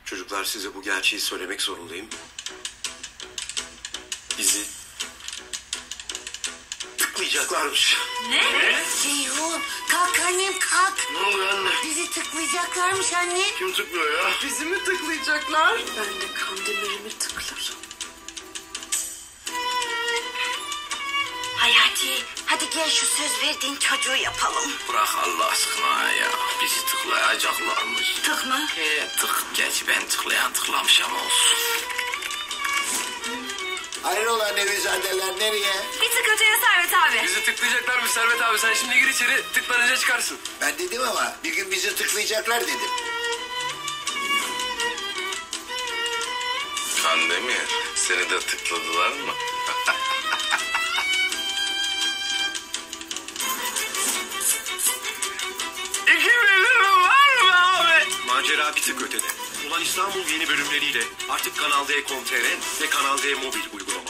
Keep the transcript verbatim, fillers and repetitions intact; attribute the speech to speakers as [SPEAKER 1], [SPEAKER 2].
[SPEAKER 1] Çocuklar, size bu gerçeği söylemek zorundayım. Bizi tıklayacaklarmış.
[SPEAKER 2] Ne? ne?
[SPEAKER 3] Ceyhun kalk annem kalk.
[SPEAKER 1] Ne oluyor anne?
[SPEAKER 3] Bizi tıklayacaklarmış anne.
[SPEAKER 1] Kim tıklıyor ya?
[SPEAKER 2] Bizi mi tıklayacaklar? Ben de Kandemir'imi tıklarım.
[SPEAKER 3] Hayati hadi gel şu söz verdiğin çocuğu yapalım.
[SPEAKER 4] Bırak Allah aşkına ya. Bizi tıklayacaklarmış.
[SPEAKER 3] Tık mı?
[SPEAKER 4] He tık. Gerçi ben tıklayan tıklamış ama olsun.
[SPEAKER 5] Hayrola Nevizadeler nereye?
[SPEAKER 2] Bir tık öteye Servet abi.
[SPEAKER 6] Bizi tıklayacaklarmış Servet abi. Sen şimdi gir içeri, tıklanınca çıkarsın.
[SPEAKER 5] Ben dedim ama bir gün bizi tıklayacaklar dedim.
[SPEAKER 4] Kandemir, seni de tıkladılar mı?
[SPEAKER 6] İki milyonun var mı abi?
[SPEAKER 1] Macera bir tık ötede. Ulan İstanbul yeni bölümleriyle artık Kanal D nokta com nokta tr ve Kanal D mobil uygulama.